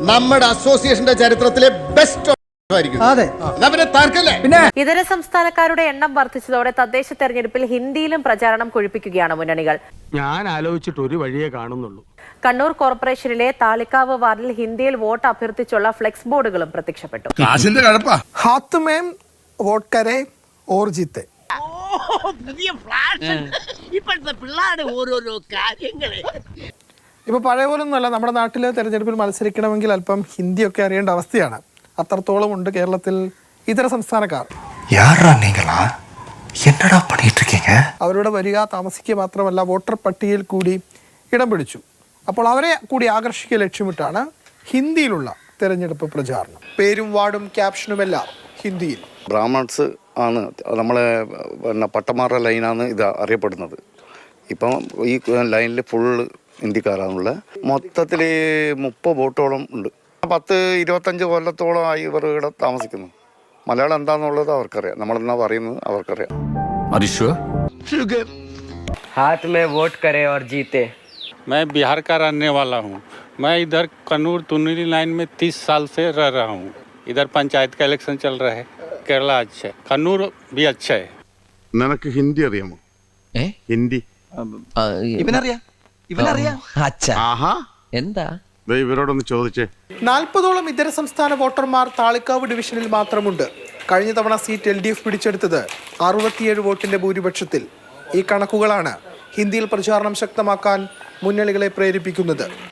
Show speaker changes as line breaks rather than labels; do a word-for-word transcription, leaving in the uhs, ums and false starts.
നമ്മുടെ അസോസിയേഷന്റെ ചരിത്രത്തിലെ ബെസ്റ്റ്.
ഇതര സംസ്ഥാനക്കാരുടെ എണ്ണം വർദ്ധിച്ചതോടെ തദ്ദേശ തെരഞ്ഞെടുപ്പിൽ ഹിന്ദിയിലും പ്രചാരണം കൊഴുപ്പിക്കുകയാണ് മുന്നണികൾ. ഞാൻ ആലോചിച്ചിട്ട് ഒരു വഴിയേ കാണുന്നുള്ളൂ. കണ്ണൂർ കോർപ്പറേഷനിലെ താളിക്കാവ് വാർഡിൽ ഹിന്ദിയിൽ വോട്ട് അഭ്യർത്ഥിച്ചുള്ള ഫ്ലെക്സ് ബോർഡുകളും പ്രത്യക്ഷപ്പെട്ടു.
ഇപ്പൊ പഴയ പോലൊന്നുമല്ല, നമ്മുടെ നാട്ടിലെ തെരഞ്ഞെടുപ്പിൽ മത്സരിക്കണമെങ്കിൽ അല്പം ഹിന്ദിയൊക്കെ അറിയേണ്ട അവസ്ഥയാണ്. അത്രത്തോളം ഉണ്ട് കേരളത്തിൽ ഇതര സംസ്ഥാനക്കാർ. അവരുടെ വരിക താമസിക്കുക മാത്രമല്ല വോട്ടർ പട്ടികയിൽ കൂടി ഇടം പിടിച്ചു. അപ്പോൾ അവരെ കൂടി ആകർഷിക്കുക ലക്ഷ്യമിട്ടാണ് ഹിന്ദിയിലുള്ള തെരഞ്ഞെടുപ്പ് പ്രചാരണം. പേരും വാർഡും ക്യാപ്ഷനുമെല്ലാം ഹിന്ദിയിൽ.
ബ്രാഹ്മൺസ് ആണ് നമ്മളെ പിന്നെ പട്ടമാറ ലൈനാണ് ഇത് അറിയപ്പെടുന്നത്. ഇപ്പം ഈ ലൈനിൽ ഫുള്ള് ഹിന്ദിക്കാരാണുള്ളത്. മൊത്തത്തിൽ മുപ്പത് വോട്ടോളം ഉണ്ട്. പത്ത് ഇരുപത്തഞ്ച് കൊല്ലത്തോളമായി ഇവർ ഇവിടെ താമസിക്കുന്നു. മലയാളം എന്താണെന്നുള്ളത് അവർക്കറിയാം, നമ്മളെന്നാ പറയുന്നത് അവർക്കറിയാം.
हाथ में वोट करे और जीते.
मैं बिहार का रहने वाला हूँ. मैं इधर कन्नूर तुन्नीली लाइन में तीस साल से रह रहा हूँ. इधर पंचायत का इलेक्शन चल रहा है. केरला अच्छा है, कन्नूर भी अच्छा है.
നിനക്ക് ഹിന്ദി അറിയാമോ? ഹിന്ദി
ഇവനറിയാ ഇവനറിയാ
ആഹാ
എന്താ
ഇവരോടൊന്ന് ചോദിച്ചേ.
നാൽപ്പതോളം ഇതര സംസ്ഥാന വോട്ടർമാർ താളിക്കാവ് ഡിവിഷനിൽ മാത്രമുണ്ട്. കഴിഞ്ഞ തവണ സീറ്റ് എൽ ഡി എഫ് പിടിച്ചെടുത്തത് അറുപത്തിയേഴ് വോട്ടിന്റെ ഭൂരിപക്ഷത്തിൽ. ഈ കണക്കുകളാണ് ഹിന്ദിയിൽ പ്രചാരണം ശക്തമാക്കാൻ മുന്നണികളെ പ്രേരിപ്പിക്കുന്നത്.